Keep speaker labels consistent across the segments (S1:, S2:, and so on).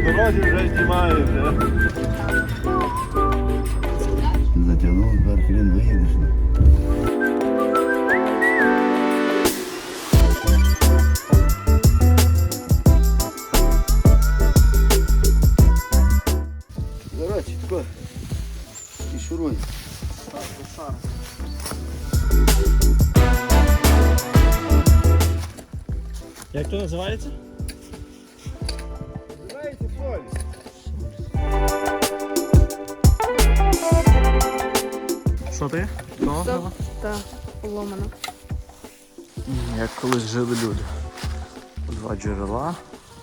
S1: дорозі вже знімає.
S2: Затягнув, тепер хрен виїдеш. Короче, тако. І шуруй.
S3: Як то називається?
S1: Називається соль.
S3: Що ти?
S4: Так, поломано.
S3: Як колись жили люди. Два джерела.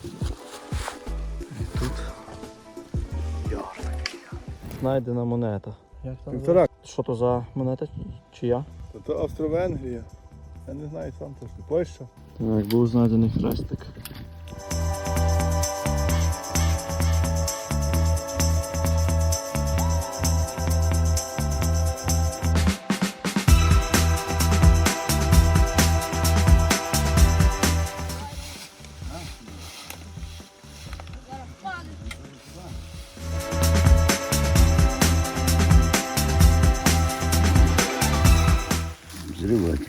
S3: І тут яр такий. Знайдена монета. Як там?
S1: Півтора.
S3: Що то за монета? Чия?
S1: Це Австро-Венгрія. Я не знаю сам точно. Польща.
S3: Так, був знайдений хрестик.
S2: Зривати.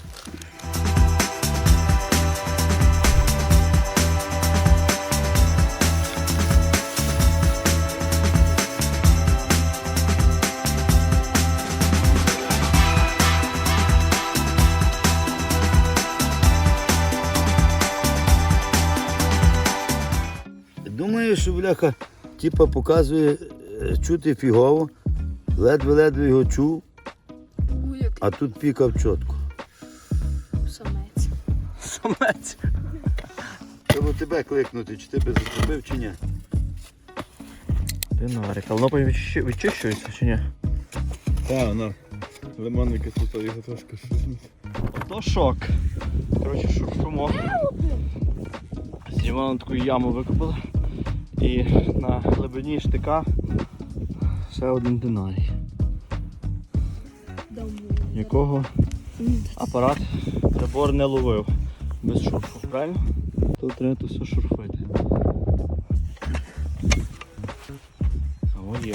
S2: Думаю, що бляха, типа показує чути фігово, ледве-ледве його чув, а тут пікав чітко.
S4: Самець.
S3: Самець.
S2: Треба тебе кликнути, чи тебе зачепив, чи ні.
S3: Динарик. А воно потім відчищується чи ні?
S1: Так, вона. Лимонна кислота його трошки шутить.
S3: То шок. Коротше, шуршумо. Знімали таку яму викопали. І на глибині штика ще один динарій. Якого апарат прибор не ловив без шурфу, правильно? Тут треба то все шурфити. О, є.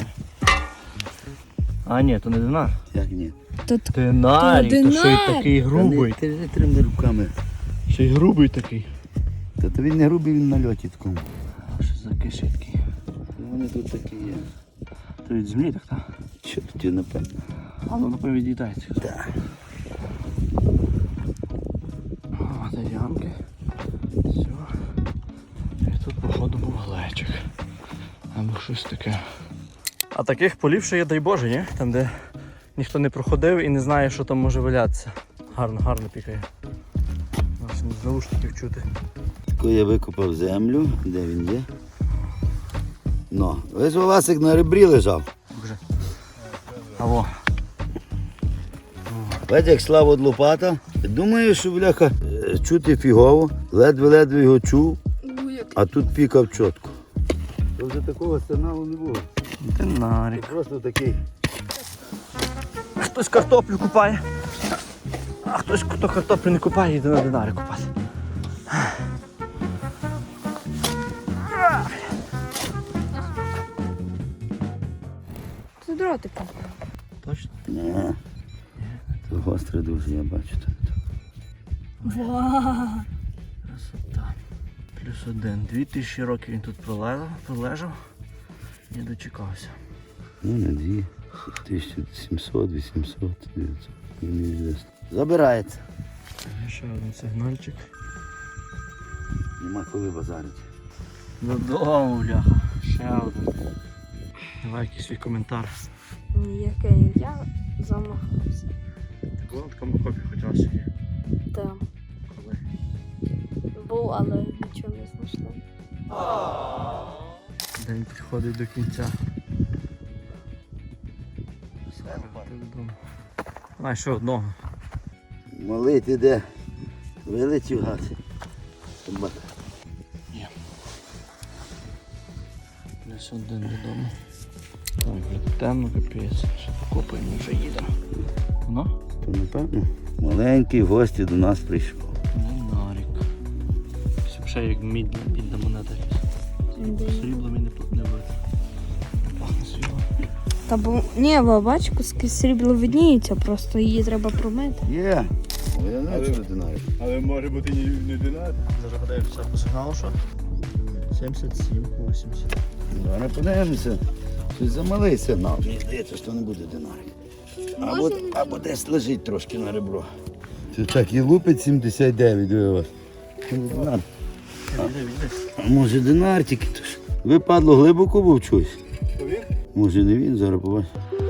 S3: А ні, то не динар.
S2: Як ні?
S3: Динарій, то що й такий грубий.
S2: Ти ж трими руками.
S3: Ще й грубий такий.
S2: Та він не грубий, він на льоті такому.
S3: А що за кишитки?
S2: Ну, вони тут такі є.
S3: То від землі так, так?
S2: Що тут є, напевно?
S3: А ну напевно від'їдається.
S2: Так.
S3: А, де ямки. Все. І тут, походу, був глечик. Або щось таке. А таких полів ще є, дай Боже, ні? Там, де ніхто не проходив і не знає, що там може валятися. Гарно, гарно пікає. Аж з наушників чути.
S2: Тако я викопав землю, де він є. Ну, весь воласик на ребрі лежав.
S3: Вже. Аво.
S2: Бачиш, як слава від лопата. Думаю, що бляха чути фігово, ледве-ледве його чув, а тут пікав чітко. То вже такого сигналу не було.
S3: Динарик.
S2: Просто такий.
S3: Хтось картоплю купає, а хтось, хто картоплю не купає, йде на динарик купати.
S4: Це дротик.
S3: Точно?
S2: Ні. Це гостре дуже, я бачу тут.
S4: Вау!
S3: Красота. Плюс один. 2000 років він тут пролежав і дочекався.
S2: Ну, не дві. 1700, 800, 900. Неізвісно. Забирається.
S3: Ще один сигнальчик.
S2: Нема коли базарити.
S3: Додому, бляха. Ще один. Давай якийсь свій коментар.
S4: Ніяке я замахався.
S3: Ти була в такому копі хоч раз чи ні?
S4: Так.
S3: Коли?
S4: Був, але нічого не знайшли.
S3: День підходить до кінця. А, ще одного.
S2: Малий ти де? Вилетів гад. Собака.
S3: Є. Плюс один додому. Так, вже темно, капець. Ще покопаємо, вже їдемо. Воно?
S2: То напевно. Маленький в гості до нас прийшов.
S3: Динарик. Ще як мідна монета. Сріблом і не бити. Пахне сріблом.
S4: Та бо ні, бач, куски срібла видніються, просто її треба промити.
S2: Є. О, я не знаю, динарик.
S1: Але може бути не динар.
S3: Зараз подивимося по сигналу, що? 77, 80.
S2: Зараз подивимося. Щось замалий сигнал. Мені здається, що не буде динарик. Або десь лежить трошки на ребро. Це так і лупить 79, диви вас. Динар. А може динар тільки то ж. Ви, падло, глибоко був чусь? Може не він, зараз побачимо.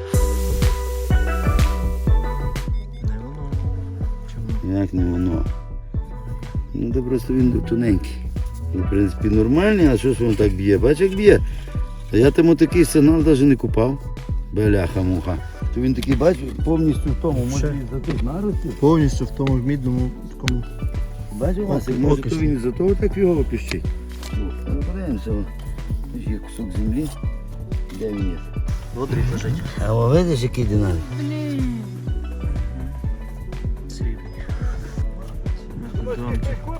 S3: Не воно. Чому?
S2: Як не воно? Ну, то просто він тоненький. Він, в принципі, нормальний, а що ж він так б'є? Бач, як б'є. А я тому такий сигнал навіть не купав. Бляха-муха. То він такий, бач, повністю в тому, може він за тих наростів.
S3: Повністю в тому мідному такому.
S2: Бачиш, Васик, може то він із-за того так його піщить. Ну, подивимося. Ось є кусок землі. Де він є?
S3: Водрі лежить.
S2: А о, видиш, який динамік?
S3: Срібний.